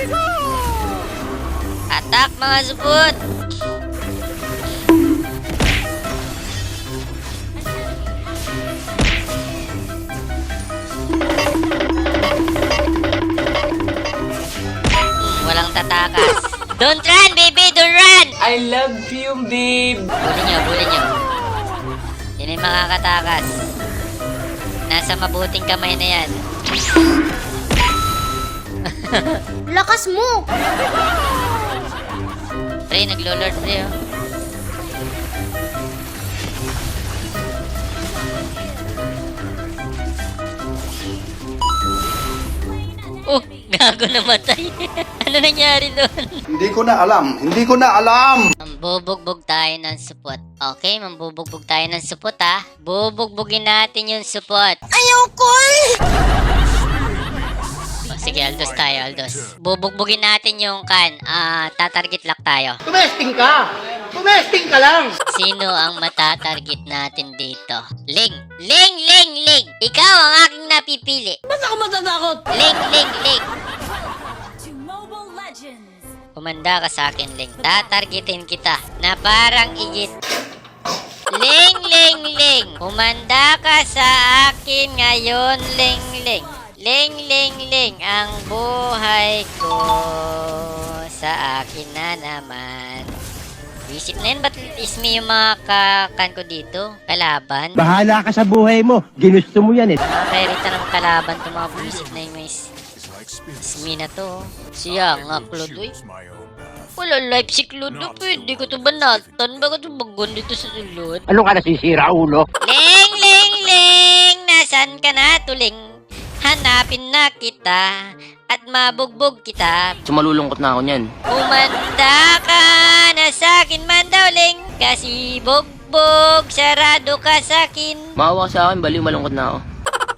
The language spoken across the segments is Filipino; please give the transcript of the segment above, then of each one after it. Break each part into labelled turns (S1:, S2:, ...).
S1: Attack mga support! Walang tatakas. Don't run, baby! Don't run!
S2: I love you, babe.
S1: Bulin nyo, bulin nyo. Yan yung makakatakas. Nasa mabuting kamay na yan.
S3: Lakas mo!
S1: Pre, naglo-lord pre, oh. Oh, gago namatay. Ano nangyari doon?
S4: Hindi ko na alam. Hindi ko na alam.
S1: Mambubugbog tayo ng support. Okay, mambubugbog tayo ng support, ha? Bubugbugin natin yung support.
S3: Ayoko eh!
S1: Sige, Aldos tayo, Aldos. Bubugbugin natin yung tatarget lock tayo.
S2: Tumesting ka! Tumesting ka lang!
S1: Sino ang matatarget natin dito? Ling! Ling! Ling! Ling! Ikaw ang aking napipili.
S2: Ba't ako matatakot?
S1: Ling! Ling! Ling! Kumanda ka sa akin, Ling. Tatargetin kita na parang igit. Ling! Ling! Ling! Kumanda ka sa akin ngayon, Ling! Ling! Ling! Ling! Ling! Ang buhay ko sa akin na naman. Isip na yun, ba't ismi yung mga kakan ko dito? Kalaban?
S5: Bahala ka sa buhay mo. Ginusto mo yan eh.
S1: Nakakairita ng kalaban itong mga buwisit na yung may ismi na to. Siya nga, Klodoy. Wala life si Klodo. Pwede ko ito banatan. Bakit ito bagon dito sa sulod?
S5: Ano ka nasisira, ulo?
S1: Ling! Ling! Ling! Nasaan ka na, tuling? Hanapin na kita at mabugbog kita.
S2: Sumalulungkot na ako niyan.
S1: Kumanda ka na sa'kin man daw, Ling. Kasi bugbog, sarado ka sa'kin.
S2: Maawa ka sa akin, baliw malungkot na ako.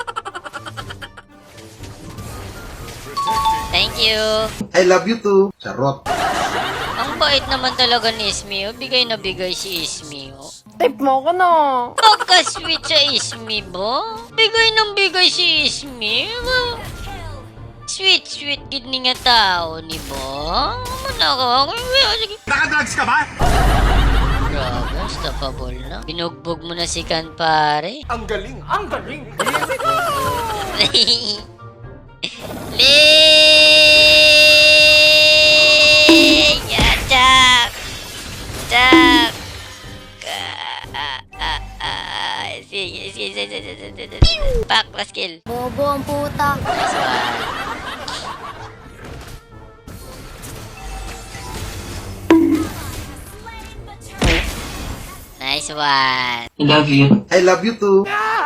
S1: Thank you.
S4: I love you too. Charot.
S1: Ang bait naman talaga ni Ismi. Bigay na bigay si Ismi.
S3: Type mo ko na.
S1: Pagka-sweet sa Ismi ba? Bigay ng bigay si Ismi. Sweet gid ni nga tao ni ba? Manaka. Sige.
S4: Nakadrugs ka ba?
S1: Grabe, stoppable na. Binugbog mo na si Kan, pare.
S2: Ang galing! Ang galing!
S1: Ling! Attack! Attack! Sige. Back, last kill.
S3: Bobo ang puta.
S1: Nice one. Nice one.
S2: I love you.
S4: I love you too.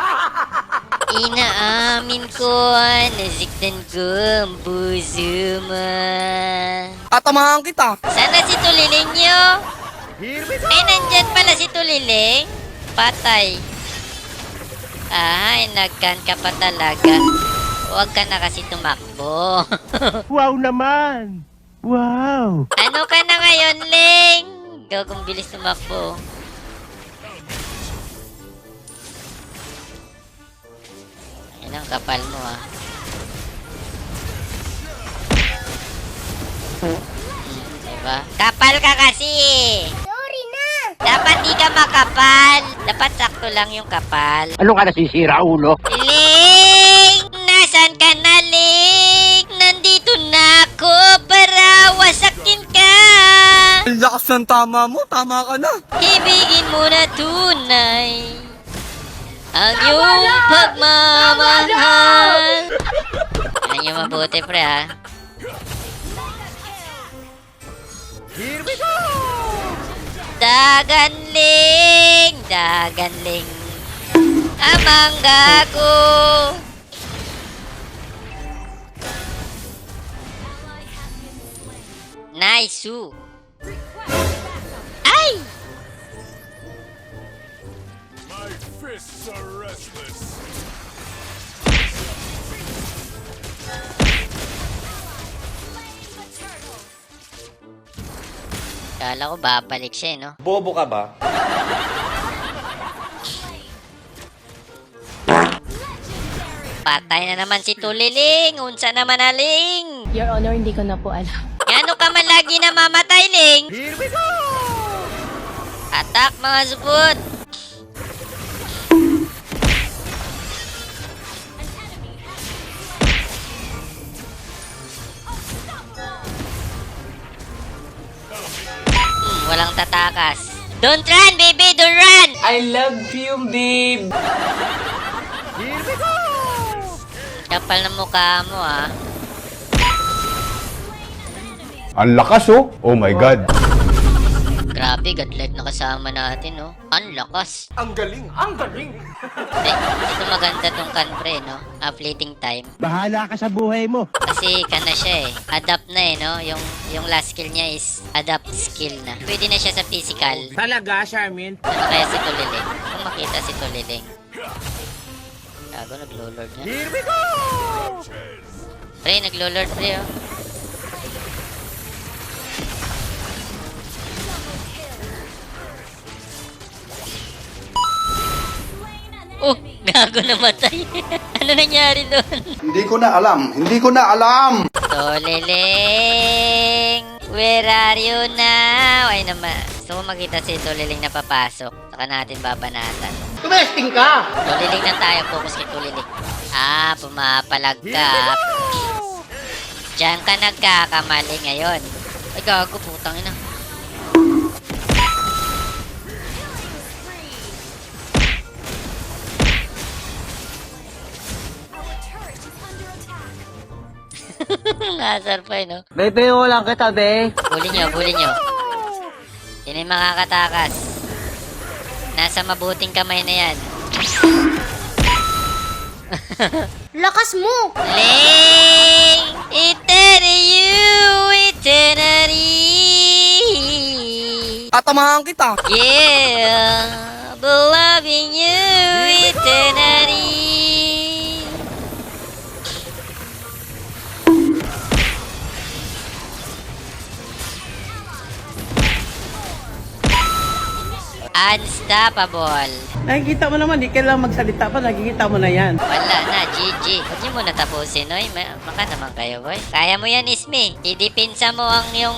S1: Inaamin ko, nasiktan ko ang puso mo.
S2: Tatamahan kita!
S1: Sana si Tuliling nyo? Ay, nandyan pala si Tuliling. Patay. Ay, nagkan ka pa talaga. Huwag ka na kasi tumakbo.
S5: Wow naman! Wow!
S1: Ano ka na ngayon, Ling? Gagong bilis tumakbo. Yan ang kapal mo, ah. Diba? Kapal ka kasi!
S3: Sorry na.
S1: Dapat di ka makapal. Dapat sakto lang yung kapal.
S5: Ano ka nasisira, ulo?
S1: Ling! Nasaan ka na, Ling? Nandito na ako para wasakin ka.
S2: Ang lakas ng tama mo, tama ka na.
S1: Ibigin mo na tunay ang iyong pagmamahal. Yan yung mabuti, pre, ha? Daganling! Daganling! Amang gago! Nice! Ay!
S6: My fists are restless.
S1: Kala ko babalik siya, no?
S2: Bobo ka ba?
S1: Patay na naman si Tuliling. Unsa naman aling?
S3: Your Honor, hindi ko na po alam.
S1: Ano ka man lagi namamatay, Ling? Here we go! Attack, mga supot! Walang tatakas. Don't run, baby! Don't run!
S2: I love you, babe.
S1: Kapal na mukha mo, ah.
S6: Ang lakas oh. Oh my God.
S1: Grabe, godlike na kasama natin, no? Ang lakas.
S2: Ang galing, ang galing.
S1: Ito maganda tong kan, pre, no? Fleeting time.
S5: Bahala ka sa buhay mo.
S1: Kasi kan na siya, eh. Adapt na, eh, no? Yung last skill niya is adapt skill na. Pwede na siya sa physical.
S2: Talaga, Charmin?
S1: Ano kaya si Tuliling? Kung makita si Tuliling. Gago, naglo-lord niya.
S2: Here we go!
S1: Pre, naglo-lord, pre, oh. Oh, gago, namatay. Ano nangyari doon?
S4: Hindi ko na alam. Hindi ko na alam.
S1: Tuliling, where are you now? Ay naman, gusto mo makita si Tuliling na papasok. Saka natin babanatan.
S2: Tumesting ka!
S1: Tuliling na tayo, focus kay Tuliling. Ah, pumapalag ka. Diyan ka nagkakamali ngayon. Ay, gago, putang ina. Nasar pa, no?
S2: Bebe, wala kita, be.
S1: Bulin nyo, bulin nyo. Sino yung makakatakas? Nasa mabuting kamay na yan.
S3: Lakas mo!
S1: Ling! Eternity!
S2: Tatamahan kita.
S1: Yeah! Beloving you, eternity! Unstoppable.
S7: Nakikita mo naman, di kailangan magsalita pa, nakikita mo na yan.
S1: Wala na, GG. Huwag niyo muna tapusin, oy. Maka naman kayo, boy. Kaya mo yan, Ismi. Idipinsa mo ang yung...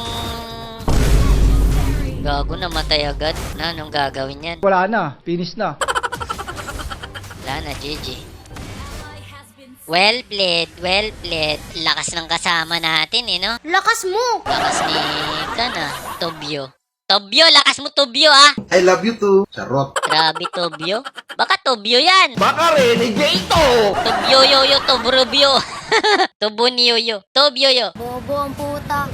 S1: Gago, namatay agad. Na, anong gagawin yan?
S7: Wala na, finish na.
S1: Wala na, GG. Well played, well played. Lakas ng kasama natin, eh, no?
S3: Lakas mo!
S1: Lakas ni... Kana, Tobyo. Tobyo, lakas mo, Tobyo, ah!
S4: I love you too. Charot.
S1: Grabe, Tobyo. Baka Tobyo yan.
S2: Baka renegade
S1: Tobyo, yo, yo, Tobrobyo. Tobonyo, yo. Tobyo, yo.
S3: Bobo ang puta.